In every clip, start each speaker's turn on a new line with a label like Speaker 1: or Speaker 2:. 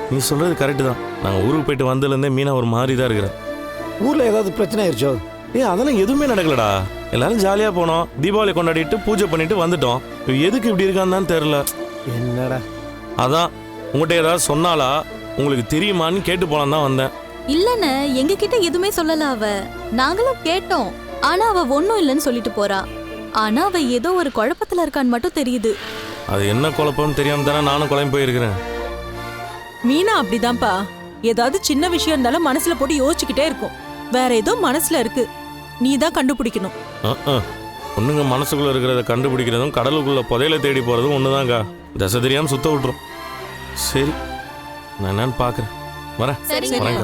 Speaker 1: நீ சொல்றது கரெக்டு தான். நாங்கள் ஊருக்கு போயிட்டு வந்ததுலேருந்தே மீனா ஒரு மாதிரி தான் இருக்கிறேன்.
Speaker 2: ஊரில் ஏதாவது பிரச்சனை ஆயிடுச்சோ?
Speaker 1: அதெல்லாம் எதுவுமே நடக்கலடா. எல்லாரும் ஜாலியாக போனோம், தீபாவளி கொண்டாடிட்டு பூஜை பண்ணிட்டு வந்துட்டோம். எதுக்கு இப்படி இருக்கான்னு தான் தெரில.
Speaker 2: என்னடா?
Speaker 1: அதான் உங்கள்கிட்ட ஏதாவது சொன்னாலா, உங்களுக்கு தெரியுமான்னு கேட்டு போலாம் தான் வந்தேன்.
Speaker 3: இல்லன்னு எங்க கிட்ட எதுவுமே சொல்லல அவ. நாங்களும் கேட்டோம், ஆனா அவ ஒன்னும் இல்லைன்னு சொல்லிட்டு போறா. ஆனா அவ ஏதோ ஒரு குழப்பத்துல இருக்கான்னு மட்டும் தெரியுது.
Speaker 1: அது என்ன குழப்பம்னு தெரியாம தானே நானும் குழம்பு போயிருக்கிறேன்.
Speaker 4: மீனா அப்படிதான்ப்பா. ஏதாவது சின்ன விஷயம் இருந்தாலும் மனசுல போட்டு யோசிச்சுக்கிட்டே இருக்கும். வேற ஏதோ மனசுல இருக்கு, நீ தான் கண்டுபிடிக்கணும்.
Speaker 1: பொண்ணுங்க மனசுக்குள்ள இருக்கிறத கண்டுபிடிக்கிறதும் கடலுக்குள்ள புதையில தேடி போறதும் ஒண்ணுதாங்க. தசை தெரியாம சுத்த விட்டுரும். சரி, நான் என்னன்னு பாக்குறேன். வரேன். வரேங்க.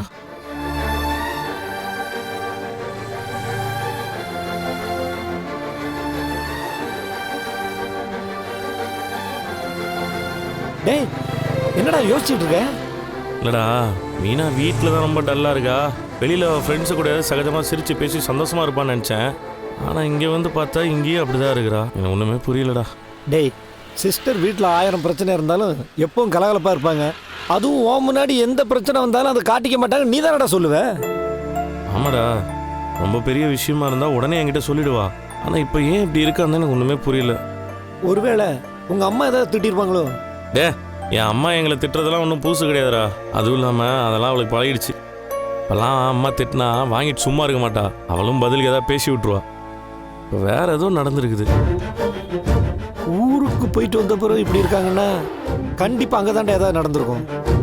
Speaker 2: டேய், என்னடா யோசிச்சுட்டு இருக்க?
Speaker 1: இல்லடா, மீனா வீட்டில் தான் ரொம்ப டல்லாக இருக்கா. வெளியில் ஃப்ரெண்ட்ஸு கூட சகஜமாக சிரித்து பேசி சந்தோஷமாக இருப்பான்னு நினச்சேன். ஆனால் இங்கே வந்து பார்த்தா இங்கேயும் அப்படி தான் இருக்கிறா. எனக்கு ஒன்றுமே புரியலடா.
Speaker 2: டேய், சிஸ்டர் வீட்டில் 1000 பிரச்சனை இருந்தாலும் எப்பவும் கலகலப்பாக இருப்பாங்க. அதுவும் ஓ முன்னாடி எந்த பிரச்சனை வந்தாலும் அதை காட்டிக்க மாட்டாங்க. நீ தானடா சொல்லுவ?
Speaker 1: ஆமாடா, ரொம்ப பெரிய விஷயமா இருந்தால் உடனே என்கிட்ட சொல்லிடுவா. ஆனால் இப்போ ஏன் இப்படி இருக்கான்னு எனக்கு ஒன்றுமே புரியல.
Speaker 2: ஒருவேளை உங்கள் அம்மா ஏதாவது திட்டிருப்பாங்களோ?
Speaker 1: என் அம்மா எங்களை திட்டுறதெல்லாம் ஒன்றும் புதுசு கிடையாதுடா. அதுவும் இல்லாமல் அதெல்லாம் அவளுக்கு பழகிடுச்சு. இப்போல்லாம் அம்மா திட்டினா வாங்கிட்டு சும்மா இருக்க மாட்டா. அவளும் பதிலுக்கு ஏதாவது பேசி விட்டுருவா. இப்போ வேற ஏதோ நடந்துருக்குது.
Speaker 2: ஊருக்கு போயிட்டு வந்த பிறகு இப்படி இருக்காங்கன்னா கண்டிப்பாக அங்கே தாண்டா ஏதாவது நடந்திருக்கும்.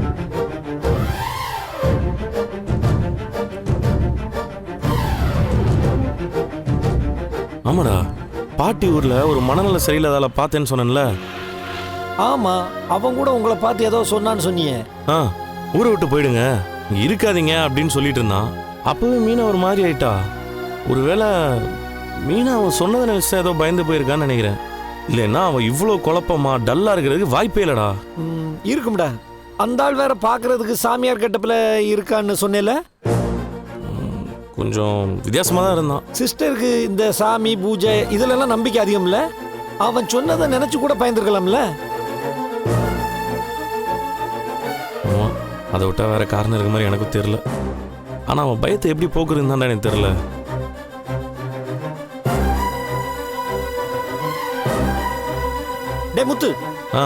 Speaker 1: ஆமாடா, பாட்டி ஊரில் ஒரு மனநல சரியில்லாதால பார்த்தேன்னு சொன்னேன்ல.
Speaker 2: ஆமா, அவன் கூட உங்களை பார்த்து ஏதோ சொன்னான்னு சொன்னியே.
Speaker 1: ஊரை விட்டு போயிடுங்க, இங்க இருக்காதீங்க அப்படின்னு சொல்லிட்டு இருந்தான். அப்பவே மீனா ஒரு மாதிரி ஆயிட்டா. ஒருவேளை மீனா அவன் சொன்னதை நினைச்சா ஏதோ பயந்து போயிருக்கான்னு நினைக்கிறேன். இல்லைன்னா அவன் இவ்வளோ குழப்பமா டல்லா இருக்கிறதுக்கு வாய்ப்பே இல்லடா.
Speaker 2: இருக்கும்டா. அந்த ஆள் வேற பாக்குறதுக்கு சாமியார் கட்டப்பில் இருக்கான்னு சொன்னேல.
Speaker 1: கொஞ்சம் வித்தியாசமா தான் இருந்தான்.
Speaker 2: சிஸ்டருக்கு இந்த சாமி பூஜை இதுலெல்லாம் நம்பிக்கை அதிகம் இல்ல. அவன் சொன்னதை நினைச்சு கூட பயந்துருக்கலாம்ல.
Speaker 1: அதை விட்டா வேற காரணம் இருக்க மாதிரி எனக்கும் தெரியல. ஆனா அவன் பயத்தை எப்படி போக்குறதுன்னு தான் எனக்கு தெரியல.
Speaker 2: டே முத்து,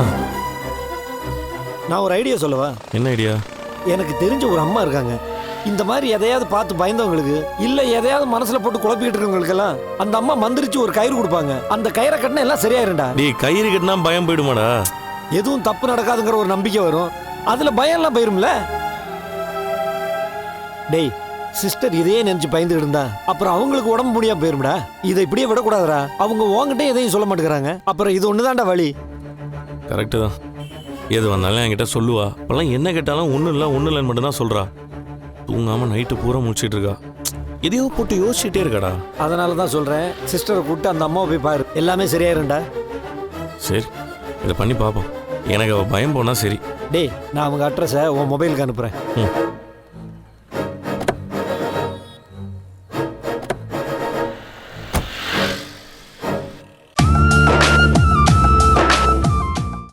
Speaker 2: நான் ஒரு ஐடியா சொல்லவா?
Speaker 1: என்ன ஐடியா?
Speaker 2: எனக்கு தெரிஞ்ச ஒரு அம்மா இருக்காங்க. இந்த மாதிரி எதையாவது பார்த்து பயந்தவங்களுக்கு, இல்ல எதையாவது மனசுல போட்டு குழப்பிக்கிட்டு இருக்கவங்களுக்கெல்லாம் அந்த அம்மா மந்திரிச்சு ஒரு கயிறு கொடுப்பாங்க. அந்த கயிறை கட்டினா எல்லாம் சரியாயிருண்டா.
Speaker 1: நீ கயிறு கட்டினா பயம் போயிடுமாடா?
Speaker 2: எதுவும் தப்பு நடக்காதுங்கிற ஒரு நம்பிக்கை வரும். அதுல பயம் எல்லாம் போயிரும்ல. டேய், சிஸ்டர் இதையே நினைச்சு பயந்துட்டு இருந்தா அப்புறம் அவங்களுக்கு உடம்பு முடியாம போயிரும்டா. இதை இப்படியே விடக்கூடாதுடா. அவங்க உங்ககிட்ட எதையும் சொல்ல மாட்டேங்கிறாங்க. அப்புறம் இது ஒண்ணுதான்டா வழி.
Speaker 1: கரெக்டு தான். எது வந்தாலும் என்கிட்ட சொல்லுவா. அப்பெல்லாம் என்ன கேட்டாலும் ஒன்றும் இல்லைன்னு மட்டும்தான் சொல்றா. தூங்காம நைட்டு பூரா முடிச்சிட்டு இருக்கா. எதையோ போட்டு யோசிச்சுட்டே இருக்காடா.
Speaker 2: அதனால தான் சொல்றேன், சிஸ்டரை கூப்பிட்டு அந்த அம்மாவை போய் பாரு, எல்லாமே சரியாயிருண்டா.
Speaker 1: சரி, இதை பண்ணி பார்ப்போம். எனக்கு அவள் பயம் போனா சரி.
Speaker 2: டேய், நான் அவங்க அட்ரஸை உன் மொபைலுக்கு அனுப்புறேன்.